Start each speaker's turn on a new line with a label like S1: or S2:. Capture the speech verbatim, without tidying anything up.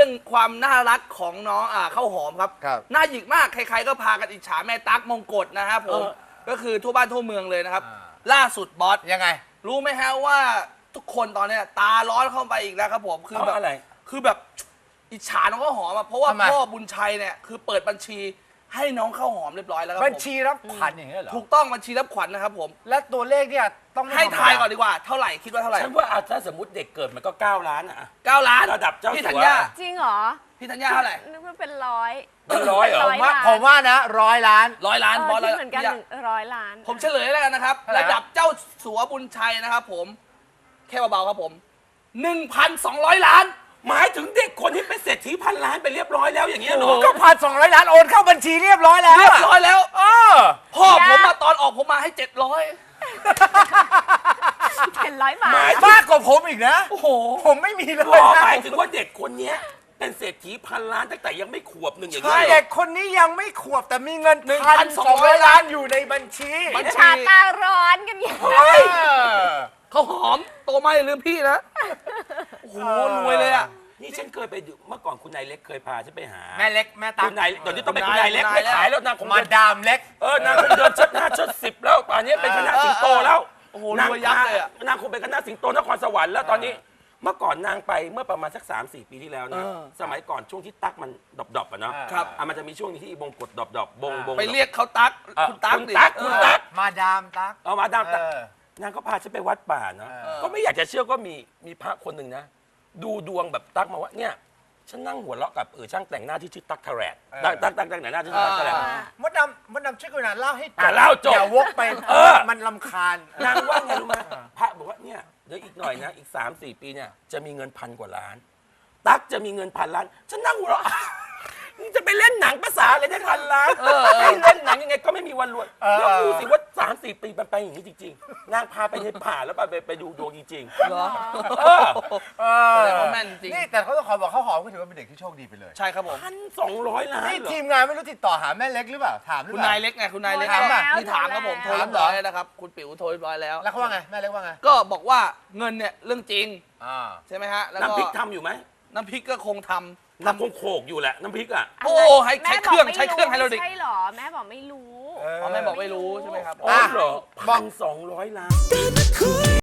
S1: รื่องความน่ารักของน้องอ่าข้าวหอมครับ
S2: ครับ
S1: น่าหยิกมากใครๆก็พากันอิจฉาแม่ตั๊กมงกฎนะครับผมก็คือทั่วบ้านทั่วเมืองเลยนะครับล่าสุดบอส
S2: ยังไง
S1: รู้ไหมฮะว่าทุกคนตอนเนี้ยตาร้อนเข้าไปอีกแล้วครับผมคือแบบ
S3: อะไร
S1: คือแบบอิจฉาน้องข้าวหอมอะเพราะว่า
S2: ทำไม
S1: พ่อบุญชัยเนี่ยคือเปิดบัญชีให้น้องข้าวหอมเรียบร้อยแล้วครับ
S2: บัญ
S1: ผม
S2: ชีรับขวัญอย่างเงี้ยเหรอ
S1: ถูกต้องบัญชีรับขวัญนะครับผม
S2: และตัวเลขเนี่ยต้องไม่
S1: ให้
S2: ธรรมด
S1: ทายก่อนดีกว่าเท่าไหร่คิดว่าเท่าไหร่
S3: ฉันว่าอ่ะถ้าสมมติเด็กเกิดมันก็เก้าล้านอ่ะ
S1: เก้าล้าน
S3: ระดับเจ้า
S1: พี่
S3: สั
S1: ธัญ
S3: ว
S1: ญา
S4: จริงเหรอ
S1: พี่ธัญญาเท่าไหร่
S4: นึกว่าเป็นร้อย
S3: เป็นร้อยเหรอ
S4: เป็น
S2: ผมว่า
S4: ล้าน
S2: ผมว่านะร้อยล้าน
S1: ร้อยล้าน
S4: เออบ
S1: อส
S4: คิดเหมือนกัน
S1: พี่
S4: หนึ่งร้อยล้าน
S1: ผมเฉลยแล้วกันนะครับ
S2: เท่าไหร่
S1: ระดับเจ้าสัวบุญชัยนะครับผมแค่เบาๆครับผม หนึ่งพันสองร้อย ล้าน
S3: หมายถึงเด็กคนที่เป็นเศรษฐีพันล้านไปเรียบร้อยแล้วอย่างเงี้ยเหรอ
S2: ก็พันสองร้อยล้านโอนเข้าบัญชีเรียบร้อยแล้ว
S1: เรียบร้อยแล้ว
S2: เออ
S1: พ่อผมมาตอนออกผมมาให้เจ็ดร้อย
S4: เป็นร้อยบาท
S2: มากกว่าผมอีกนะ
S1: โอ้โห
S2: ผมไม่มีเลย
S3: พ่อ
S2: นะ
S3: หมายถึงว่าเด็กคนเนี้ยเป็นเศรษฐีพันล้านตั้งแต่ยังไม่ขวบหนึ่งอย่าง
S1: ใช่
S3: เงี้ยเหร
S2: เด็
S3: อก
S2: คนนี้ยังไม่ขวบแต่มีเงิน
S1: หนึ่ง
S2: พั
S1: พั
S2: น
S1: น
S2: ส
S1: ส
S2: อ
S1: อง งร้
S2: ร้อ
S1: อย ย
S2: ล้า
S1: ล้าน น
S2: อยู่ในบัญชี
S1: บัญชี
S4: ชาตาร้อนกันอย่าง
S2: เออ
S1: เขาหอมโตมาอย่าลืมพี่นะ โอ้โหรวยเลยอ่ะ
S3: นี่ฉันเคยไปดูเมื่อก่อนคุณนายเล็กเคยพาฉันไปหา
S2: แม่เล็กแม่ตั๊
S3: คุ
S2: ก
S3: ณนายเดี๋ยวนี้ต้องเป็น
S1: คุ
S3: คุณ
S1: ณนาน
S3: าย ยเล็ก
S1: คุณนาย
S3: ไม่ขายแล้วนางคง
S2: มา
S3: เดิน
S2: ดามเล็ก
S3: เออนางคงเดินชัดหน้าชัดสิบแล้วตอนนี้เป็นคณะสิงโตแล้ว
S1: โอ้โห
S3: นาง
S1: รวยยับเลยอะ
S3: นางคงเป็นคณะสิงโตนครสวรรค์แล้วตอนนี้ เมื่อก่อนนางไปเมื่อประมาณสักสามสี่ปีที่แล้วนะ
S1: เออ
S3: สมัยก่อนช่วงที่ตั๊กมันดรอปๆอะเนาะ
S1: ครับ
S3: อ่ะมันจะมีช่วงที่บงกดดรอปๆบงบง
S1: ไปเรียกเขาตั๊ก
S3: เอ่อ
S1: คุณตั๊ก
S3: คุณ
S1: ดิ
S3: ตั๊ก
S1: เอ
S3: คุณ
S1: อ
S3: ตั๊ก
S2: มาดามตั๊ก
S3: เอามาดามตั๊ก
S2: เออ
S3: นางก็พาฉันไปวัดป่าเนาะ
S2: เออ
S3: ก็ไม่อยากจะเชื่อว่ามีมีพระคนหนึ่งนะ ดูดวงแบบตั๊กมาว่าเนี่ยฉันนั่งหัวเราะกับเออช่างแต่งหน้าที่ชื่อตั๊กทะแรดตั๊กตั๊กตั๊กแต่งหน้าที่ชื่อตั๊กทะแรด
S1: อ่า
S2: มดดำมดดำช่วยกันนะเล่าให้จ
S3: อ่ะ
S2: บ
S3: เล่าจบ
S2: อย่าวกไป
S3: เออ
S2: มันลำคาญ
S3: นางว่าไงรู้ไหมพระบอกว่าเนี่ยเดี๋ยวอีกหน่อยนะ อีกสามสี่ปีเนี่ยจะมีเงินพันกว่าล้าน ตั๊กจะมีเงินพันล้าน ฉันนั่งหัวเราะ มึงจะไปเล่นหนังภาษาอะไรได้พันล้านให้เล่นหนังยังไงก็ไม่มีวันรวย
S2: เออ
S3: แล้วดูสิว่าสามสี่ปีมันไปอย่างนี้จริงๆนางพาไปในป่าแล้วไปไปดูดวงจริง
S1: เหรอ
S3: ๆเออ
S2: เอ
S1: แส
S2: อ
S1: ดงว่าแม่นจริง
S2: นี่แต่เขาต้องขอบอกเขาหอมก็ถือว่าเป็นเด็กที่โชคดีไปเลย
S1: ใช่ครับผม
S3: พันสองร้อยล้าน
S2: นี่
S3: เหรอ
S2: ทีมงานไม่รู้ติดต่อหาแม่เล็กหรือเปล่าถามหรือ
S1: คุณ
S2: เปล่า
S1: นายเล็กไงคุณนายเล็ก
S2: ถามป่ะ
S1: นี่ถามครับผมโทรเรียบร้อยแล้วนะครับคุณปิ๋วโทรเรียบร้อยแล้ว
S2: แล้วเขาว่าไงแม่เล็กว่าไง
S1: ก็บอกว่าเงินเนี่ยเรื่องจริง
S2: อ่า
S1: ใช่ไหมฮะแล้วก็
S3: น้ำพริกทำอยู่ไหม
S1: น้ำพริกก็คงทำ
S3: น้ำคงโขกอยู่แหละน้ำพริกอ่ะ
S1: โอ้ให้ใช้เครื่องใช้เครื่องไฮโดรลิก
S4: ใช่หรอแม่บอกไม่รู้
S1: อ๋อแม่บอกไม่รู้ใช่ไหมครับ
S3: อ๋อเหรอพันสองร้อยล้าน